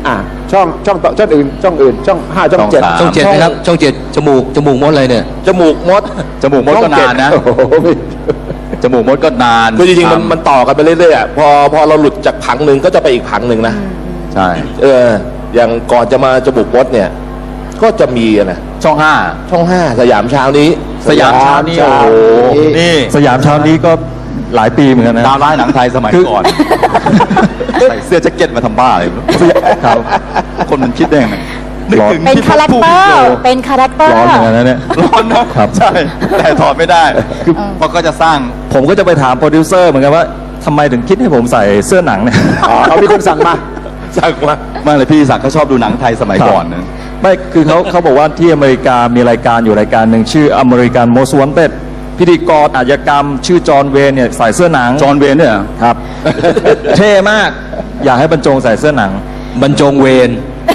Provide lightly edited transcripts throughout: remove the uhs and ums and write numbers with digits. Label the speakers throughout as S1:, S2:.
S1: ช่องอื่นช่อง5ช่อง7
S2: ช่อง7นะครับช่อง7จมูกมดอะไรเนี่ย
S3: จมูกมด
S2: ก็นานนะจมูกมดก็นาน
S3: คือจริงๆมันต่อกันไปเรื่อยๆพอเราหลุดจากผังหนึ่งก็จะไปอีกผังหนึ่งนะ
S2: ใช่
S3: อย่างก่อนจะมาจมูกมดเนี่ยก็จะมีนะ
S2: ช่อง
S3: 5สยามเช้านี้
S2: โอ้โหนี่
S4: สยามเช้านี้ก็หลายปีเหมือนกันนะ
S2: ดาวร้ายหนังไทยสมัยก่อนใส่เสื้อแจ็คเก็ตมาทำบ้าเลยครับคนมันคิดได้ไง
S5: เป็นคาแรคเตอร์
S4: ร้อนเหมือนกันนะเนี่ย
S2: ร้อนนะครับใช่แต่ถอดไม่ได้คือเพราะก็จะสร้าง
S4: ผมก็จะไปถามโปรดิวเซอร์เหมือนกันว่าทำไมถึงคิดให้ผมใส่เสื้อหนังเนี่ย
S1: เอามีคนสั่งมา
S2: ไม่เลยพี่ศักดิ์เขาชอบดูหนังไทยสมัยก่อนนะ
S4: ไม่คือเขาบอกว่าที่อเมริกามีรายการอยู่รายการหนึ่งชื่อ American Most Wanted พิธีกรอาชญากรรมชื่อจอห์นเวนเนี่ยใส่เสื้อหนัง
S2: จอห์นเวนเนี่ย
S4: ครับเท่มากอยากให้บรรจงใส่เสื้อหนัง
S2: บรรจงเวน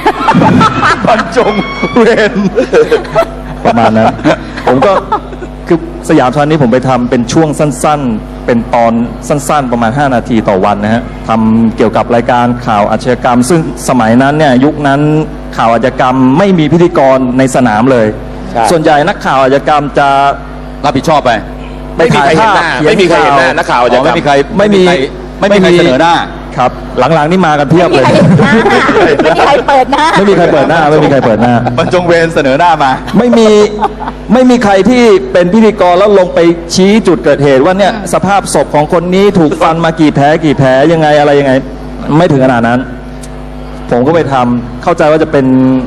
S4: ประมาณนั้นผมก็คือสยามเช้านี้ผมไปทำเป็นช่วงสั้นๆเป็นตอนสั้นๆประมาณ5นาทีต่อวันนะฮะทำเกี่ยวกับรายการข่าวอาชญากรรมซึ่งสมัยนั้นเนี่ยยุคนั้นข่าวอาชญากรรมไม่มีพิธีกรในสนามเลยส่วนใหญ่นักข่าวอาชญากรรมจะ
S2: รับผิดชอบไป
S3: ไม่มีใครเห็นหน้านักข่าวอาชญากรรม
S4: ไม่มี
S2: เสนอหน้า
S4: ครับหลังๆนี่มากันเพียบเลย
S5: ไม่มีใครเปิดหน้า
S4: ไม่มีใครเปิดหน้า
S2: บรรจงเวรเสนอหน้ามา
S4: ไม่มีใครที่เป็นพิธีกรแล้วลงไปชี้จุดเกิดเหตุว่าเนี่ยสภาพศพของคนนี้ถูกฟันมากี่แผลยังไงอะไรยังไงไม่ถึงขนาดนั้นผมก็ไปทำเข้าใจว่าจะเป็น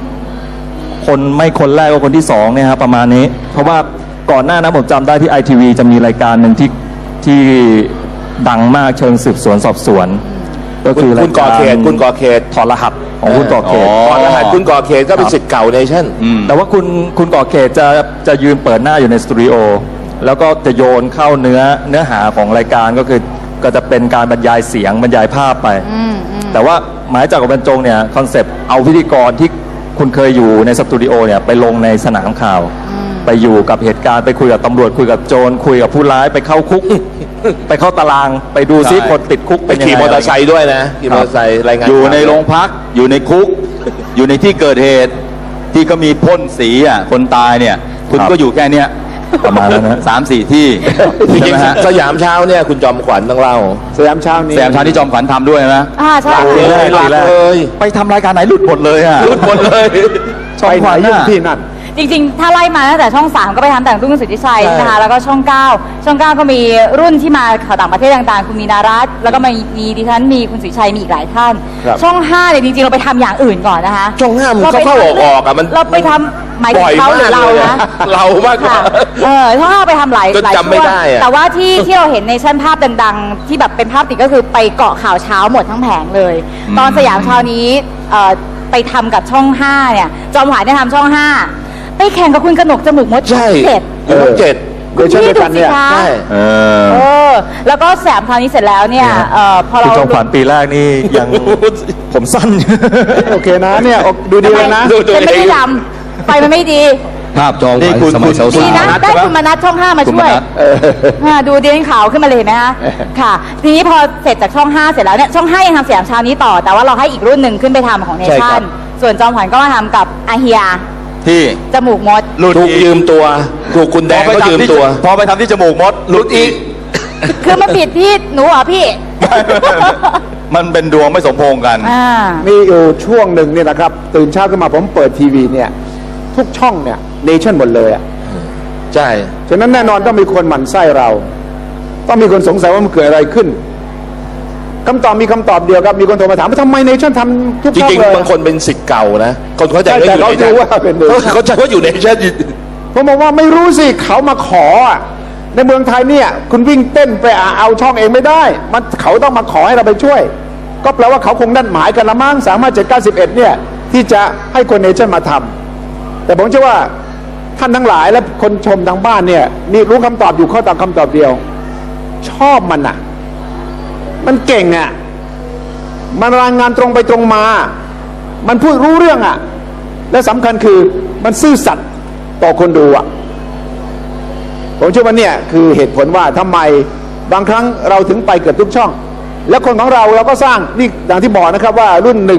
S4: คนแรกก็คนที่2เนี่ยครับประมาณนี้เพราะว่าก่อนหน้านั้นผมจำได้ที่ ITV จะมีรายการหนึ่งที่ดังมากเชิงสืบสวนสอบสวนก็คือ
S3: คุณก่อเขต
S4: ถอดรหัสของคุณก่อเขต
S3: ถอดรหัสคุณก่อเขตก็เป็นศิษย์เก่าเนชั่น
S4: แต่ว่าคุณก่อเขตจะยืนเปิดหน้าอยู่ในสตูดิโอแล้วก็จะโยนเข้าเนื้อหาของรายการก็จะเป็นการบรรยายเสียงบรรยายภาพไปแต่ว่าหมายจากกับบรรจงเนี่ยคอนเซปต์เอาพิธีกรที่คุณเคยอยู่ในสตูดิโอเนี่ยไปลงในสนามข่าวไปอยู่กับเหตุการณ์ไปคุยกับตำรวจคุยกับโจรคุยกับผู้ร้ายไปเข้าคุกไปเข้าตารางไปดูซิคนติดคุก
S3: เป็นยังไงขี่มอเตอร์ไซค์ด้วยนะขี่มอเตอร์ไซค์รายงาน
S2: อยู่ในโรงพักอยู่ในคุกอยู่ในที่เกิดเหตุที่ก็มีพ่นสีคนตายเนี่ยคุณก็อยู่แค่เนี้ย
S4: ประมาณนั้นนะ
S2: 3-4 ที่
S3: จริงๆสยามเช้าเนี่ยคุณจอมขวัญต้องเล่า
S1: สยามเช้านี้
S2: ที่จอมขวัญทำด้วยนะ
S5: ใช่
S3: เลย
S2: ไปทำรายการไหนหลุดหมดเลย
S3: หลุดหมดเลย
S1: ไปไหนยุ่งที่นั่น
S5: จริงๆถ้าไล่มาตั้งแต่ช่อง3ก็ไปทำแต่งรุ่นสุทธิชัยนะคะแล้วก็ช่อง9ก็มีรุ่นที่มาข่าวต่างประเทศต่างๆคุณมีนารัตน์แล้วก็มีดิฉันมีคุณสุทธิชัยมีอีกหลายท่านช่อง5เนี่ยจริงๆเราไปทำอย่างอื่นก่อนนะคะ
S3: ช่อง5มันเข้าออกมัน
S5: เราไปทำหมายถึงเขาหรือเรานะ
S3: เรามากกว่า
S5: ช่อง5ไปทำหลาย
S3: จำไม่ได้
S5: แต่ว่าที่เราเห็นในชั้นภาพดังๆที่แบบเป็นภาพติดก็คือไปเกาะข่าวเช้าหมดทั้งแผงเลยตอนสยามเช้านี้ไปทำกับช่อง5เนี่ยจอมขวัญได้ทำช่อง5ไปแข่งกับคุณกนกจมูกมด
S3: 7
S5: คุณพี่ดูสิคะแล้วก็แสมคราวนี้เสร็จแล้วเนี่ยพอเรา
S4: จอมขวัญปีแรกนี่ยังผมสั้น
S1: โอเคนะเนี่ยดูดีเลยนะ
S5: ฉันไม่ได้ดำไฟมันไม่ดี
S2: ภาพจอมขวัญสมัยสาว
S5: ๆได้คุณมนัสช่อง5มาช่วยดูดีขาวขึ้นมาเลยเห็นไหมคะค่ะทีนี้พอเสร็จจากช่อง5เสร็จแล้วเนี่ยช่อง5ยังทำสยามเช้านี้ต่อแต่ว่าเราให้อีกรุ่นหนึ่งขึ้นไปทำของเนชั่นส่วนจอมขวัญก็มาทำกับอาเฮีย
S2: ที่
S5: จมูกมด
S3: ถูกยืมตัวถูกคุณแดงก็ยืมตัว
S2: พอไปทำที่จมูกมดหลุดอีก
S5: คือมันผิดที่หนูเหรอพี่
S2: มันเป็นดวงไม่สมพงษ์กัน
S1: มีอยู่ช่วงหนึ่งเนี่ยนะครับตื่นเช้าขึ้นมาผมเปิดทีวีเนี่ยทุกช่องเนี่ยเนชั่นหมดเลย
S3: ใช่
S1: ฉะนั้นแน่นอนต้องมีคนหมั่นไส้เราต้องมีคนสงสัยว่ามันเกิดอะไรขึ้นคำตอบมีคำตอบเดียวครับมีคนโทรมาถามว่าทำไมเนชั่นทำทุกช่องเลย
S3: จริงๆบางคนเป็นศิษย์เก่านะคนเขาใจว่าอยู่ในเขาใจว่าอยู่ในเนชั่น
S1: ผมบอกว่าไม่รู้สิเขามาขอในเมืองไทยเนี่ยคุณวิ่งเต้นไปเอาช่องเองไม่ได้มันเขาต้องมาขอให้เราไปช่วยก็แปลว่าเขาคงนัดหมายกันละมั้ง35791เนี่ยที่จะให้คนเนชั่นมาทำแต่ผมเชื่อว่าท่านทั้งหลายและคนชมทางบ้านเนี่ยนี่รู้คำตอบอยู่ข้อตอบคำตอบเดียวชอบมันเก่งมันรายงานตรงไปตรงมามันพูดรู้เรื่องและสำคัญคือมันซื่อสัตย์ต่อคนดูผมเชื่อว่าเนี่ยคือเหตุผลว่าทำไมบางครั้งเราถึงไปเกือบทุกช่องแล้วคนของเราก็สร้างนี่อย่างที่บอกนะครับว่ารุ่น1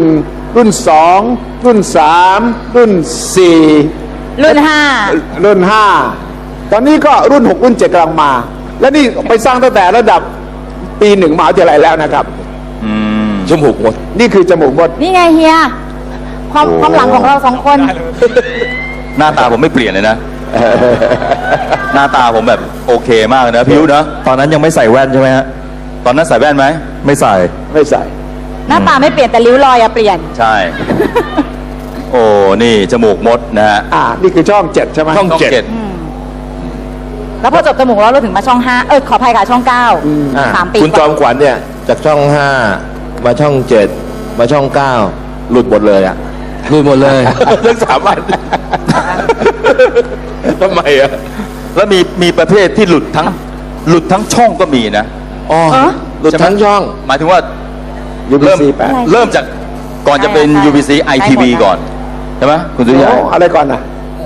S1: รุ่น 2 รุ่น 3 รุ่น 4
S5: รุ่น
S1: รุ่น 5 ตอนนี้ก็รุ่น 6 รุ่น 7กำลังมา และนี่ไปสร้างตั้งแต่ระดับปี1มหาวิทยาลัยแล้วนะครับ
S3: จมูกหมด
S1: นี่คือจมูกมด
S5: 5 นี่ไงเฮียความหลังของเราสองคน
S2: หน้าตาผมไม่เปลี่ยนเลยนะ หน้าตาผมแบบโอเคมากเลยนะพิวนะ
S4: ตอนนั้นยังไม่ใส่แว่นใช่ไหมฮะ
S2: ตอนนั้นใส่แว่นไหม
S4: ไม่ใส่
S1: ไม่ใส่
S5: หน้าตาไม่เปลี่ยนแต่ริ้วรอยอะเปลี่ยน
S2: ใช่ โอ้นี่จมูกมดนะฮะ
S1: นี่คือช่อง 7 ใช่ไหม
S3: ช่อง 7
S5: แล้วพอจบจมูกแล้วเราถึงมาช่อง 5 ขออภัยค่ะช่อง 9 3 ปี
S3: คุณจอมขวัญเนี่ยจากช่อง 5 มาช่อง 7 มาช่อง 9 หลุดหมดเลยอะหลุดหมดเลยทั้ง3 อันทำไมอะ
S2: แล้วมีประเภทที่หลุดทั้งช่องก็มีนะ
S3: อ๋อหลุดทั้งช่อง
S2: หมายถึงว่า
S1: UBC
S2: เริ่มจากก่อนจะเป็น UBC ITV ก่อน ใช่ไหมคุณสุริ
S1: 8
S2: ยะ
S1: อะไรก่อนนะ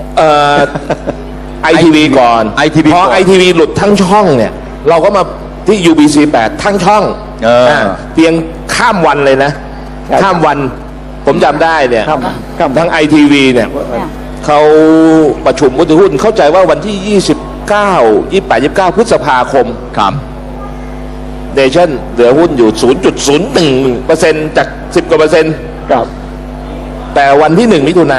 S3: ITV ก่อน
S2: ITV
S3: พอ
S2: ก่อน
S3: ITV หลุดทั้งช่องเนี่ย เราก็มาที่ UBC 8 ทั้งช่อง เพียงข้ามวันเลยนะ ข้ามวัน ผมจำได้เนี่ย
S1: ข้าม
S3: ทั้ง ITV เนี่ยเขาประชุมผู้ถือหุ้นเข้าใจว่าวันที่ 29 พฤษภาคม
S2: ครับ
S3: เนชั่นเหลือหุ้นอยู่ 0.01% จาก 10 กว่าเปอร์เซ็นต์
S1: ครับ
S3: แต่วันที่ 1 มิถุนา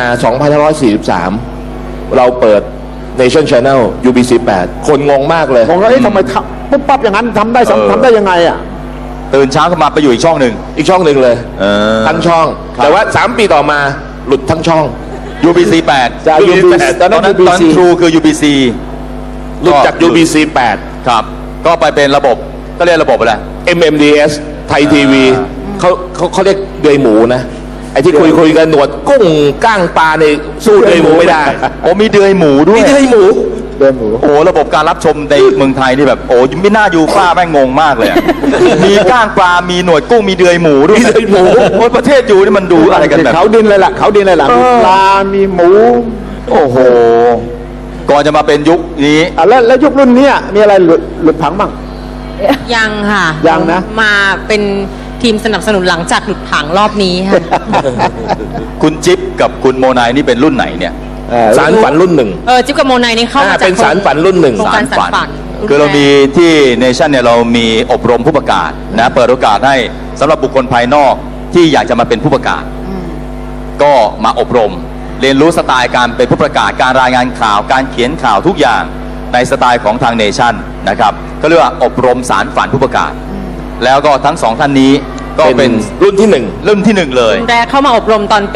S3: 2543 เราเปิด Nation Channel UBC 8 คนงงมากเลย
S1: ผมก็ทำไมปุ๊บปั๊บอย่างนั้นทำได้ทำได้ยังไงอ่ะ
S2: ตื่นเช้าขึ้นมาไปอยู่อีกช่องหนึ่ง
S3: อีกช่องหนึ่งเลย ทั้งช่อง
S2: ครับ
S3: แต่ว่า 3 ปีต่อมาหลุดทั้งช่อง
S2: UBC 8
S1: จาก
S3: UBC
S1: UBC ตอน
S2: ต
S1: นั้
S2: อน นนั้น
S1: UBC
S2: ตอนทรูคือ UBC
S3: หลุดจาก UBC
S2: ครับ ก็ไปเป็นระบบก็เรียกระบบอะไร
S3: 8 MMDS ไทยทีวีเขาเรียกเดือยหมูนะ ไอ้ที่คุยกันหนวดกุ้งก้างปลาในสู้เดือยหมูไม่ได้
S2: โอ้มีเดือยหมูด้วย
S3: มีเดือยหมู
S1: เดินหมู
S2: โอ้ระบบการรับชมในเมืองไทยนี่แบบโอ้ไม่น่าอยู่ป้าแม่งงงมากเลยอะ มีก้างปลา มีหนวดกุ้ง มีเดือยหมูด้วย
S3: มีเดือยหมู
S2: โอ้ประเทศอยู่นี่มันดูอะไรกันแบบ
S1: เขาดินเลยล่ะเขาดินเลยล่ะมีปลา มีหมู
S2: โอ้โห ก่อนจะมาเป็นยุคนี้
S1: แล้วยุครุ่นเนี้ยมีอะไรหลุดผังบ้าง
S6: ยังค่ะ
S1: ยังนะ
S6: มาเป็นทีมสนับสนุนหลังจากหลุดผังรอบนี้ค่ะ
S2: คุณจิ๊บกับคุณโมนายนี่เป็นรุ่นไหนเนี่ย
S3: สารฝันรุ่นหนึ่ง
S6: จิ๊บกับโมนายนี่เข้ามาจาก
S3: เป็นสารฝันรุ่นหนึ่ง
S6: โครงการสารฝัน
S2: คือเรามีที่เนชั่นเนี่ยเรามีอบรมผู้ประกาศนะเปิดโอกาสให้สำหรับบุคคลภายนอกที่อยากจะมาเป็นผู้ประกาศ ก็มาอบรม เรียนรู้สไตล์การเป็นผู้ประกาศการรายงานข่าวการเขียนข่าวทุกอย่างในสไตล์ของทางเนชั่นนะครับก็เรียกว่าอบรมสารฝันผู้ประกาศ แล้วก็ทั้งสองท่านนี้ก็เป็น
S3: รุ่นที่หนึ่ง
S2: รุ่นที่หนึ่งเลย
S6: แรกเข้ามาอบรมตอนปี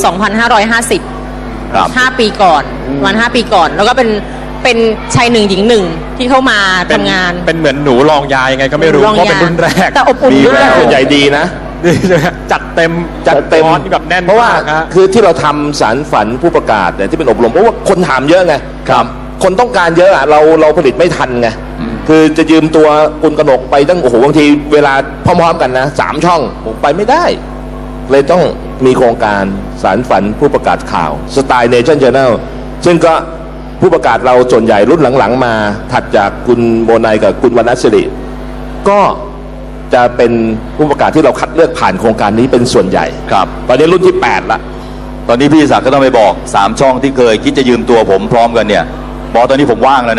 S6: 2550
S2: ครับ
S6: 5 ปีก่อนประมาณ5 ปีก่อน แล้วก็เป็นชายหนึ่งหญิงหนึ่งที่เข้ามาทำงาน
S4: เป็นเหมือนหนูรองยายยังไงก็ไม่รู้
S6: รอง
S4: เพราะ
S6: ยา
S4: เป็นรุ่นแรก
S6: แต่อบอุ่น
S2: มี
S6: ด้วย
S2: แวว
S3: ใหญ่ดีนะ
S4: นี่ใช่ไหมจัดเต็ม
S3: จัดเต็ม
S4: คอร์สนี่แบบแน่น
S3: เพราะว่าม
S4: กฮะ
S3: คือที่เราทำสารฝันผู้ประกาศเนี่ยที่เป็นอบรมเพราะว่าคนถามเยอะไง
S2: ครับ
S3: คนต้องการเยอะอะเราผลิตไม่ทันไงคือจะยืมตัวคุณกนกไปตั้งโอ้โหบางทีเวลาพร้อมๆกันนะ3 ช่องผมไปไม่ได้ เลยต้องมีโครงการสารฝันผู้ประกาศข่าวสไตล์เนชั่น Channel ซึ่งก็ผู้ประกาศเราส่วนใหญ่รุ่นหลังๆมา ถัดจากคุณโมนายกับคุณวรรณศิริก็จะเป็นผู้ประกาศที่เราคัดเลือกผ่านโครงการนี้เป็นส่วนใหญ่
S2: ครับ
S3: ตอนนี้รุ่นที่ 8 ละ
S2: ตอนนี้พี่ศักดิ์ก็ต้องไปบอก3 ช่องที่เคยคิดจะยืมตัวผมพร้อมกันเนี่ยบอกตอนนี้ผมว่างแล้วนะ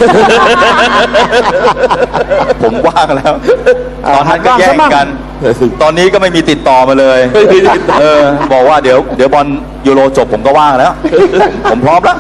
S2: ผมว่างแล้วตอนนั้นก็แย่งกัน ตอนนี้ก็ไม่มีติดต่อมาเลย
S3: ไม่มีติดต่อ
S2: บอกว่าเดี๋ยวบอลยูโรจบผมก็ว่างแล้ว ผมพร้อมแล้ว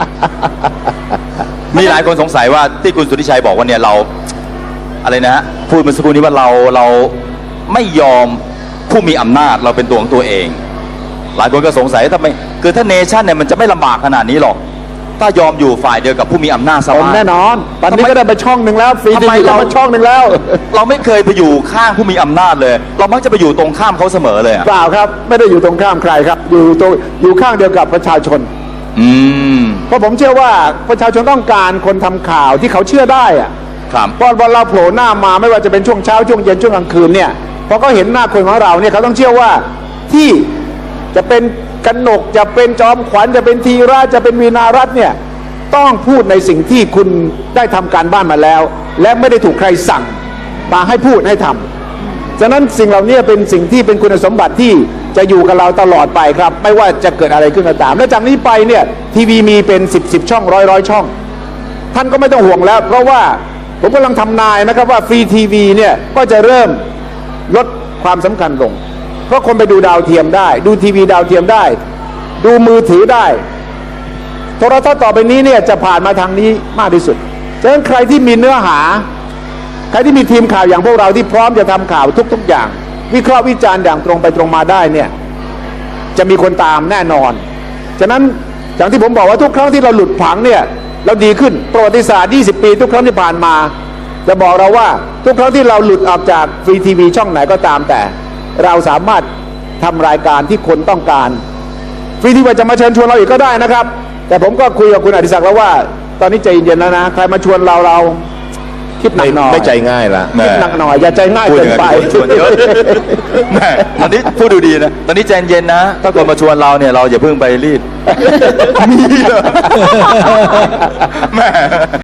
S2: มีหลายคนสงสัยว่าที่คุณสุทธิชัยบอกว่าเนี่ยเราอะไรนะฮะพูดเมื่อสักครู่นี้ว่าเราไม่ยอมผู้มีอำนาจเราเป็นตัวของตัวเอง หลายคนก็สงสัยทำไมคือถ้าเนชั่นเนี่ยมันจะไม่ลำบากขนาดนี้หรอก ถ้ายอมอยู่ฝ่ายเดียวกับผู้มีอำนาจส
S1: ผม
S2: บาย
S1: แน่นอน ตอนนี้ก็ได้ไปช่องหนึ่งแล้วฟรี
S2: ทำ
S1: ที
S2: ไม
S1: วีเรา
S2: เรา
S1: มาช่องหนึ่งแล้ว
S2: เราไม่เคยไปอยู่ข้างผู้มีอำนาจเลย เรามักจะไปอยู่ตรงข้ามเขาเสมอเลยอะ
S1: เปล่าครับ ไม่ได้อยู่ตรงข้ามใครครับ อยู่ข้างเดียวกับประชาชน
S2: อืม
S1: เพราะผมเชื่อว่าประชาชนต้องการคนทำข่าวที่เขาเชื่อได้อะ
S2: ครับ
S1: เพราะวันเราโผล่หน้ามาไม่ว่าจะเป็นช่วงเช้าช่วงเย็นช่วงกลางคืนเนี่ยพอเขาเห็นหน้าคนของเราเนี่ยเขาต้องเชื่อว่าที่จะเป็นกนกจะเป็นจอมขวัญจะเป็นธีระจะเป็นวีนารัตน์เนี่ยต้องพูดในสิ่งที่คุณได้ทำการบ้านมาแล้ว และไม่ได้ถูกใครสั่งมาให้พูดให้ทำฉะนั้นสิ่งเหล่านี้เป็นสิ่งที่เป็นคุณสมบัติที่จะอยู่กับเราตลอดไปครับ ไม่ว่าจะเกิดอะไรขึ้นก็ตาม และจากนี้ไปเนี่ยทีวีมีเป็น10 ช่องร้อยช่อง ท่านก็ไม่ต้องห่วงแล้ว เพราะว่าผมกำลังทำนายนะครับว่าฟรีทีวีเนี่ยก็จะเริ่มลดความสำคัญลง เพราะคนไปดูดาวเทียมได้ ดูทีวีดาวเทียมได้ ดูมือถือได้โทรทัศน์ต่อไปนี้เนี่ยจะผ่านมาทางนี้มากที่สุดฉะนั้นใครที่มีเนื้อหา ใครที่มีทีมข่าวอย่างพวกเราที่พร้อมจะทำข่าวทุกๆอย่าง วิเคราะห์วิจารณ์อย่างตรงไปตรงมาได้เนี่ยจะมีคนตามแน่นอนฉะนั้นอย่างที่ผมบอกว่าทุกครั้งที่เราหลุดผังเนี่ยเราดีขึ้นประวัติศาสตร์20 ปีทุกครั้งที่ผ่านมาจะบอกเราว่าทุกครั้งที่เราหลุดออกจากฟรีทีวีช่องไหนก็ตามแต่เราสามารถทำรายการที่คนต้องการฟรีทีวีจะมาเชิญชวนเราอีกก็ได้นะครับแต่ผมก็คุยกับคุณอดิศักดิ์แล้วว่าตอนนี้ใจเย็นๆแล้วนะใครมาชวนเราคิดหนักหน่อย
S3: ไม่ใจง่ายละ
S1: คิดหนักหน่อยอย่าใจง่าย
S2: พูด
S1: เกิ
S2: อน ย่าง
S1: ไป
S2: นั้นชวนเยอะแม่ตอนนี้พูดดูดีนะตอนนี้ใจเย็นนะถ้าคนมาชวนเราเนี่ยเราอย่าเพิ่งไปรีบมีเหรอแม่